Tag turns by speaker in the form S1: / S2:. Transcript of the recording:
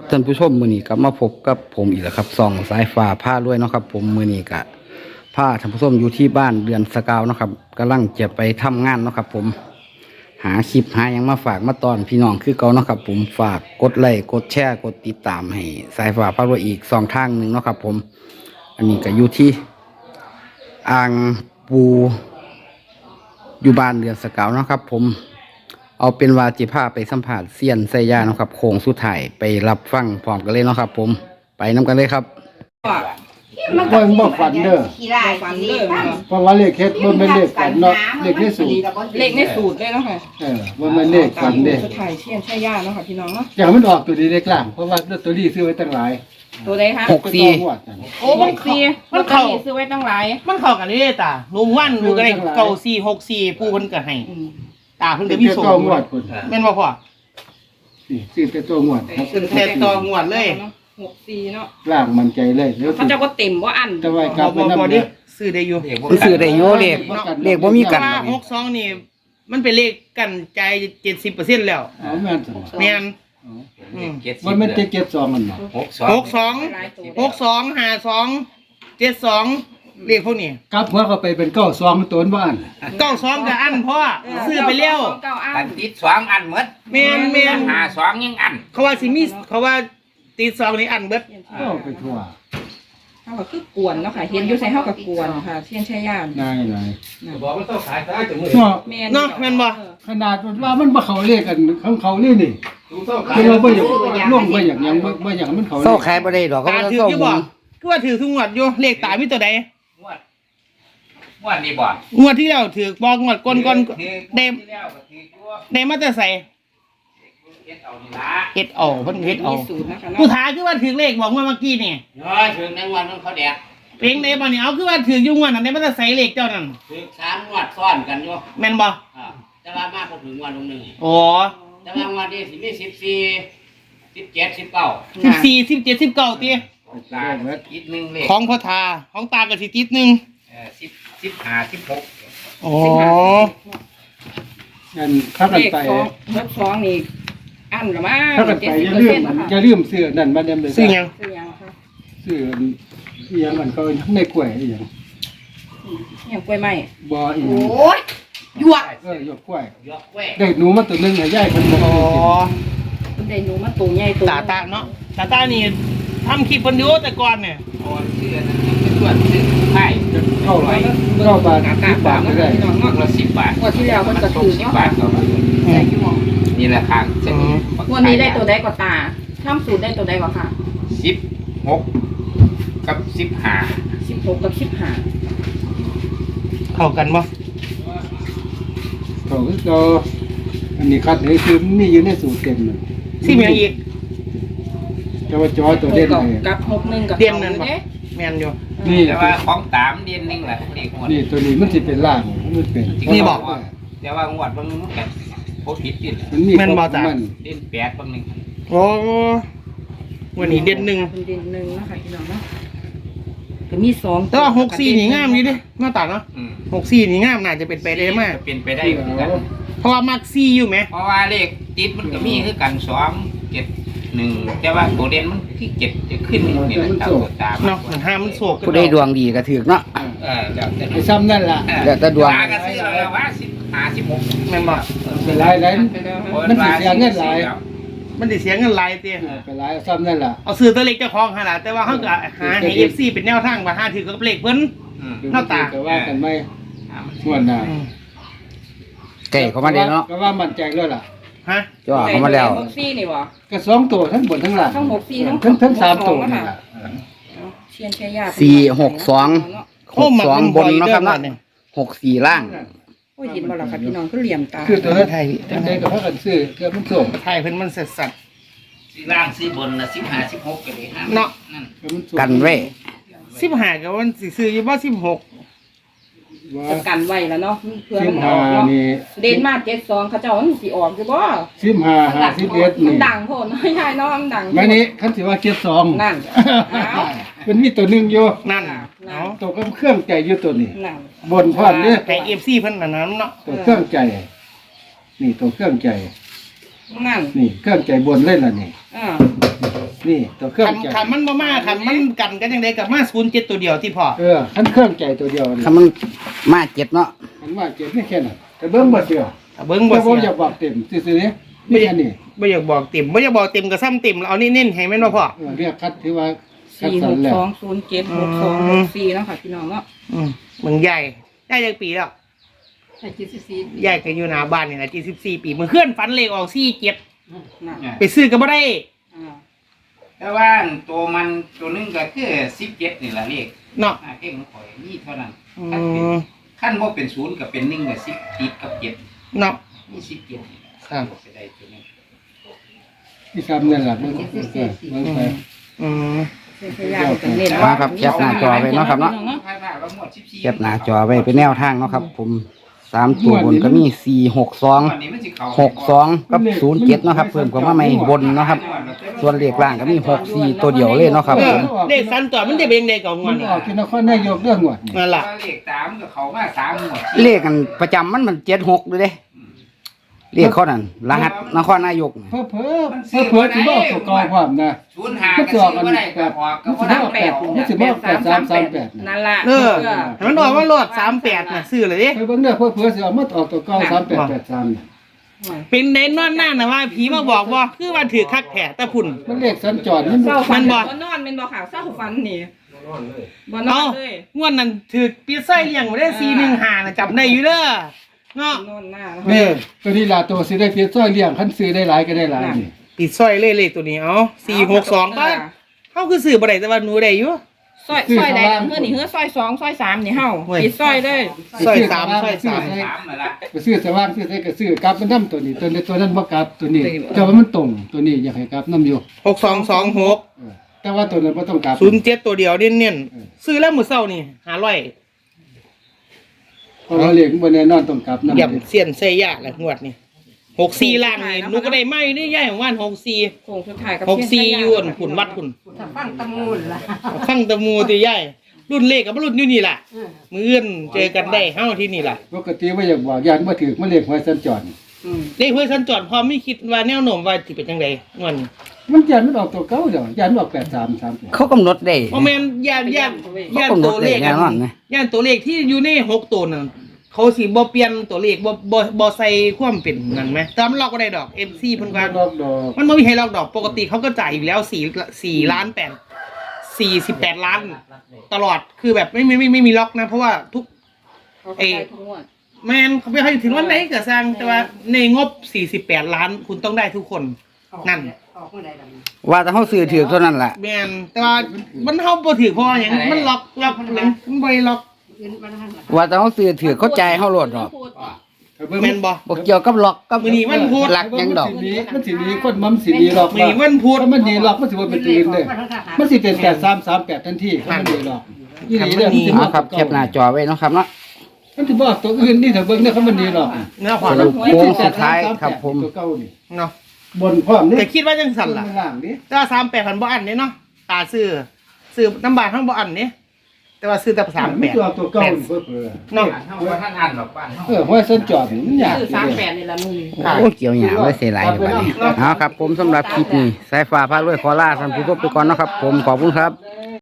S1: ท่านผู้ชมมื้อนี้ก็มาพบกับผมอีกแล้วครับส่องสายฟ้าผ้าด้วยเนาะครับผมมื้อนี้ก็ผ้าท่านผู้ชมอยู่ที่บ้านเดือนสกาวเนาะครับกำลังจะไปทำงานเนาะครับผมหาคลิปหายังมาฝากมาตอนพี่น้องคือเก่าเนาะครับผมฝากกดไลค์กดแชร์กดติดตามให้สายฟ้าผ้าด้วยอีก2 ทางหนึ่งเนาะครับผมอันนี้ก็อยู่ที่อ่างปูอยู่บ้านเดือนสกาวเนาะครับผมเอาเป็นว่าจิพาไปสัมผัสเซียนไซยาเนาะครับโค้งสุดท้ายไปรับฟังพร้อมกันเลยเนาะครับผมไปน้ำกันเลยครับ
S2: บ่ฝันเด้อ
S3: ฝันเลย
S2: เพราะว่าเลขเฮ็ดบ่แม่นเลขฝันเนาะเลขในสูตร
S3: เลขในสูตรเลยเนาะค่ะ
S2: บ่แม่นเลขฝันเด้อ
S3: สุดท้ายเชียนใช่ย่าเนาะค่ะพี่น้องเนาะ
S2: อย่างมันออกตัวนี้เลขล่างเพราะว่าลอตเตอรี่ซื้อไว้ตั้งหลาย
S3: ตัวใดคะ
S1: 64
S3: โอ้64มันเข้าซื้อไว้ตั้งหลาย
S4: มันเข้ากันเลยตาหนุ่มวันอยู่ก็ได้9464ผู้เพิ่นก็ให้ตาเพิ่นก็มีโซ่
S2: ตัวงวดพุ่น
S4: แม่นบ่พ่อ
S2: ซื้อแต่ตัวงวด
S4: แต่ต่องวดเลย
S3: 64เนาะ
S2: ล่างมั่นใจเลย
S3: เขาจะบ่เต็มบ่อัน
S2: แต่ว่ากลับไปนำ
S4: ดิซื้อได้อยู่
S1: ซื้อได้อยู่เลขบ่มีกัน
S4: 62นี่มันเป็นเลขกันใจ70%แล้ว
S2: อ๋อแม่นซั่น
S4: แม่น
S2: มันเป็น72มันบ่
S4: 62 52 72เลขพวกนี้
S2: กลับหัวเข้าไปเป็น92มันตัวบ้าน
S4: 92ก็อันพ่อซื้อไปแล้ว
S5: กันติด2อันหมด
S4: แม่น
S5: 52ยังอัน
S4: เขาว่าสิมีเขาว่าติด2นี่อันเบิด
S2: ไปทั่ว
S3: เฮาก็คือกวนเนาะค่ะเห็นอยู่ใส่เฮาก็กวนค่ะเชียนใช่ย่า
S2: ได้
S5: บอกมันต้องขายซะจังมื้อ
S4: เนาะแม่นบ่
S2: ขนาดว่ามันบ่เข้าเลขกันของเขานี่นี่คือเราบ่อยากล่วงบ่อยากหยังบ่อยากมันเขา
S1: เซาขายบ่ได้ดอกก็บ่
S4: ถืออยู่บ่คือว่าถือทุกงวดอยู่เลขตามีตัวใด
S5: งวดนี้บ่
S4: งวดที่แล้วถือบ่งวดก่อนได้มาแต่ใส่เฮ็ดเอาเพิ่นเฮ็ดเอาผู้ท้าคือว่าถือเลขบอกเมื่อกี้นี่
S5: ถึงในงวดนั้นเขาแดก
S4: เพลงได้บ่นี่เอาคือว่าถืออยู่งวดนั้นได้มาแต่ใส่เลขเจ้านั่น
S5: ถือ3งวดซ้อนกันอยู่
S4: แม่นบ่
S5: แต่ว่ามากกว่าถึงงวดนึง
S4: อ๋อ
S5: แต่ว่างวดนี้สิมี14 17 19
S4: 14 17 19ติ
S5: ตาอีกนึงเลข
S4: ของพ่อทาของตาก็สิติดนึง
S5: 15 16
S4: อ๋อ
S2: งั้นถ้ากันไป
S3: 62นี่อันละมา
S2: ถ้ากันไปอย่าลืมซื้อนั่นมาเดิมเลย
S4: ซื้อหยัง
S3: คะ
S2: ซื้ออีหยังมันก็ในกล้วยอีหยัง
S3: กล้วยไม้
S2: บ่อีหยัง
S3: โอ้ยหยวก
S2: หยวกกล้วยได้หนูมาตัวนึงให้ยายเพิ่นบ่
S4: อ๋อ
S3: ได้หนูมาตัวใหญ่ตัว
S4: ตาเนาะตานี่ทำคลิปเพิ่นอยู่แต่ก่อนเนี่ย
S5: ชื่อนั้นเป็นส่วนชื่อไผ่
S2: เข้าบาท10 บาทก็ได้
S5: ละ10 บาท
S3: งวดที่แล้วมันก็ถูก
S5: 10 บาทก็นี่แหละทางเส้นนี้
S3: วันนี้ได้ตัวใดก็ตาทำสูตรได้ตัวใดก็ค่ะ
S5: 16กับ15
S3: 16กับ15
S4: เข้ากันบ่
S2: เขาก็อันนี้คัดให้คือมีอยู่ในสูตรเต็มเลย
S4: สิมีอีก
S2: แต่ว่าจอตัวเด่นเลย
S3: กับ61กับ
S4: เด่นนั่นบ่แม่นอยู่
S5: นี่แต่ว่าของตามเด่นนึงแหละ
S2: นี่ตัวนี้มันสิเป็นล่างมันเป็น
S4: นี่บอก
S5: แต่ว่างวดบางนึงมันโคตรผิด
S4: แม่นบ่จ้ะ
S5: เด่น8บางนึง
S4: โอ้วันนี้เด่น1
S3: เด่น1นะคะพี่น้องเนาะก็มี2
S4: แต่ว่า64นี่งามอยู่ดิหน้าตาเนาะ64นี่งามน่าจะเป็นไปได้มาก
S5: เป็นไปได้เหมือนกัน
S4: เพราะว่ามัก4อยู่ไหม
S5: เพราะว่าเลขติดมันก็มีคือกัน2 7 1แต่ว่าตัวเด่นมันที่7จะขึ้นนี่แหละตาม
S4: เนาะมันห้ามมันโศก
S1: ผู้ใดดวงดีก็ถูกเนาะ
S2: ไอ้ซ้ำนั่นล่ะ
S1: แต่ดวง
S5: ก็ซื้อแล้วว่า15 16
S4: แม่นบ่
S2: เป็นหลายมันสิเสียเงินหลาย
S4: มันสิเสียเงินหลายติ
S2: เป็นหลายซ้ำนั่นล่ะ
S4: เอาซื้อตัวเล็กเจ้าของหั่นล่ะแต่ว่าเฮาก็หาให้ FC เป็นแนวทางว่าหาถือกับเลขเพิ่นเนาะตา
S2: ก็ว่ากันไม่ส่วนน่ะ
S1: ไก่เข้ามาได้เนาะ
S2: ก็ว่ามั่นใจแล้วล่ะ
S4: ฮะ
S1: จ่อเข้ามาแล้ว
S3: 64นี่บ่
S2: ก็2ตัวทั้งบนทั้งล่าง
S3: ทั้ง64ทั้ง
S2: 3ตัวนี่ล่ะ
S3: เชียนแค่ยา
S1: 462บนเนาะครับเนาะ64ล่าง
S3: โอ้ยเห็นบ่ล่ะครับพี่น้องคือเหลี่ยมตา
S2: คือตัวไทยได้ก็พากันซื้อเกือบมันส่ง
S4: ไทยเพิ่นมันสัตว์
S5: ล่างซื้อบนน่ะ15 16ก็ได้
S4: เนาะ
S1: กันไว้
S4: 15ก็มันสิซื้ออยู่บ่16
S3: จะกันไว้แล้วเนาะเพื่อมันออกเนาะเด่นมา72เขาเจ้ามันสิออกอยู่บ่
S2: 15 51
S3: นี่ดังโพดน้อยใหญ่เนาะมันดัง
S2: มื้อนี้คันสิว่า72นั่นมันมีตัวนึงอยู่
S4: นั่น
S2: ตัวกับเครื่องใจอยู่ตัวนี้บนพร้อมเด้
S4: แต่ FC เพิ่นนั่นเนาะ
S2: ตัวเครื่องใจนี่ตัวเครื่องใจ
S3: นั่น
S2: นี่เครื่องใจบนเลยล่ะนี่นี่ตัวเครื่องใจ
S4: ขันมันบ่มาขันมันกันกันยังไงกับมา07ตัวเดียวที่พอ
S2: คันเครื่องใจตัวเดียวนี่
S1: ถ้ามันมาเจ็ดเนาะ
S2: มันว่าเจ็บไม่แค่นั้นแต่เบิ่งบ่เสีย
S4: เบิ่งบ่
S2: แต่ผม
S4: เสี
S2: อย ยากบอกเต็มซื่อๆนี่ไม่อันนี้
S4: บ่อยากบอกเต็มบ่อยากบอกเต็มก็ซ้ำเต็มแล้วเอานี่เน้นให้แม่นบ่พ่อ
S2: เรียกคัดที่ว่าคัด
S3: สี่
S2: สั
S3: ห
S2: น
S3: ก
S2: แล้ว
S3: สองศูนย์เจ็ดหกสองหกสี่เนาะค่ะพี่น้องเนาะ
S4: เมืองใหญ่ได้จักปีแล้วใหญ่ก็อยู่หน้าบ้านนี่แหละ74ปีมื้อเคลื่อนฝันเลขออก47
S3: น่ะ
S4: ไปซื้อก็บ่ได้
S3: อ่า
S5: แต่ว่าตัวมันตัวนึงก็คือ17นี่ล่ะเลข
S4: เนาะ
S5: เองข่อยนี่เท่านั้น
S4: อื
S5: ขั้นเป็นขั้น
S4: ม
S5: บ่เป็น0ก็เป็น1ก็10ติดกับ7
S4: เนาะ
S5: นี่17นี่
S4: ครับ
S5: ไปได้ตัวนึง
S2: ที่ซ้ำนั่นล่ะมันไป
S4: อืม
S3: พยายามจะเน้น
S1: มาครับแคปหน้าจอไว้เนาะครับเนาะ
S5: ผ่านมาแล้วหมด14
S1: แคปหน้าจอไว้เป็นแนวทางเนาะครับ ผม3ตัวบนก็มี462
S5: วันนี้มันสิเข้า
S1: 62กับ07เนาะครับเพิ่มกว่ามาใหม่บนเนาะครับ ส่วนเลขล่างก็มี64ตัวเดียวเลยเนาะครับ
S4: เอ
S1: ผ
S4: อ
S1: ม
S4: เลขสันตัวมันจะเป็นยังไงก่อนง
S2: มั
S4: อน
S2: น
S4: นี่
S2: ออกที่นครนายกเรื่องงวดนี่
S4: นั่นล่ะ
S5: เลข3ก็เข้ามา3หมด
S1: เลขกันประจำมัน76ด้วยเด้เลขเขานั่นรหัสนครนายกน่ะ
S2: เพิ่มที่บอกตัวกองความนะ
S5: 05ก็ซื้อบ่ได้ก็ออกก็บ่ได้
S2: มันสิบอก8338
S3: นั่นล่ะ
S4: เออให้มันออกมาโลด38น่ะซื้อเลยดิ
S2: ไปเบิ่งเด้อเพิ่สิเอามาออกตัวเก่า3883
S4: เป็นเน้นนอนหน้าน่ะว่าผีมาบอกว่าคือว่าถือคักแท้แต่พุ่น
S2: มันเลขสัญจรมัน
S3: เศร้าฟัน
S4: มันบ่
S3: บ่นอนเป็นบ่ค่ะเศร้าฟันนี่บ่นอ
S4: เอ้าน
S3: เลย
S4: งวดนั้นถือปีไส้เลี้ยงบ่ได้415น่ะจำได้อยู่เด้อเนาะ
S3: นอนหน้า
S2: นี่ตัวนี้ล่ะตัวสิได้เพียรซ้อยเลี้ยงคันซื้อได้หลายก็ได้หลายนี่
S4: ปีไส้เลขตัวนี้เอา462ป่ะเฮาคือซื้อบ่ได้แต่ว่าหนูได้อยู่
S3: ซอยใดเฮือนี่เฮือซอย2ซอย3นี่เฮา
S4: เว้ย
S3: ปิดซอยเลย
S4: ซอย3ซอย3
S5: 3นั่นล่ะ
S2: ไปซื้อสว่างซื้อใส่ก็ซื้อกลับมันนำตัวนี้ตัวนั้นบ่กลับตัวนี้แต่ว่ามันตรงตัวนี้อยากให้กลับนำอยู่
S4: 6226
S2: แต่ว่าตัวนั้นบ่ต้องกลับ
S4: 07ตัวเดียวเน้นๆซื้อแล้วมื้อเช้านี่500
S2: เพราะว่าเลขมันบ่แน่นอนต้องกลับนำ
S4: ย่ำเสียนใส่ยาแหละงวดนี่64ล่างนี่หนูก็ได้ไม่ได้ย่ายของว่าน64
S3: โค้งสุดท้ายกับ
S4: 64อยู่อั่นขุนวัดขุนฟังตะมูติย่ายรุ่นเลขกับรุ่นอยู่นี่ล่ะมื้ออื่นเจอกันได้เฮาที่นี่ล่ะ
S2: ปกติว่าอยากบอกยานบ่ถูกมันเลขหวยสัญจร
S4: เลขเพื่อสัญจรพอไม่คิดว่าแนวโน้มว่าสิเป็นจังได๋งวดนี้
S2: มันยานมันออกตัวเก่าเดี๋ยวยานมันออก8338
S1: เขากำหนดได้
S4: บ่แม่นย่านตัวเลข
S1: แน่นอนนะ
S4: ย่านตัวเลขที่อยู่ใน6ตัวนั่นเขาสิบ่เปลี่ยนตัวเลขบ่ใส่ความเป็นนั่นไหมแต่มันล็อกบ่ได้ดอก MC เพิ่นว่า
S2: ดอกดอก
S4: มันไม่มีให้ล็อกดอกปกติเขาก็จ่ายอยู่แล้ว4ล้าน48ล้าน ตลอดคือแบบไม่มีล็อกนะ เพราะว่าทุก แมนเขาไม่ให้ถึงวันไหนก็สร้างแต่ว่าในงบ48ล้านคุณต้องได้ทุกคนนั่น
S1: ว่าแต่เขาซื้อถือเท่านั้นล่ะ
S4: แมนแต่ว่ามันเฮาบ่ถือเพราะว่าหยังมันล็อกหยังมันบ่ได้ล็อก
S1: ว่าแต่เขาซื้อถือเขาจ่ายเขาโหลดดอก
S4: แมนบ่
S1: บ่เกี่ยวกับล็อกกับ
S4: มื้อนี้วันพุธ
S1: หลักหยังดอก
S2: มันสิหนีคนมันสิหนีหรอก
S4: มื้อนี้วันพุธ
S2: ถ้ามันหนีหรอกมันสิบ่เป็นตื่นเด้มันสิเป็น8338ทันทีถ้ามันหนีหรอกอีหลีเด้อมันสิ
S1: เอาครับแคปหน้าจอไว้เนาะครับเนาะ
S2: มันสิบอกตัวอื่นนี่ถ้าเบิ่งเนี่ยเขามันหนีหรอก
S4: เนื้อขวา
S1: สรุปโค้งสุดท้ายครับผม
S2: ตัวเก่านี่
S4: เนาะ
S2: บนพร้อมนี่
S4: แต่คิดว่าจังสั่นล่ะ
S2: ล่างนี่
S4: แต่ว่า38,000บ่อันเด้เนาะตาซื้อน้ำบาททั้งบ่อันเด้แต่ว่าซื้อแต่
S2: มันตัวตัวเก่านี่เพิ่น
S4: เนาะ
S5: เฮาบ่ทันอ่านดอกบ้านเฮา
S2: ห้วยเส้นจอดนี่มันยาก
S3: คือ38นี่ละมึง
S1: โอ้เกี่ยวหยาไว้เสียหลายอยู่บัดนี้เอาครับ ผมสำหรับคลิปนี้สายฟ้าพารวยขอลาท่านผู้ชมไปก่อนเนาะครับ ผมขอบคุณครับ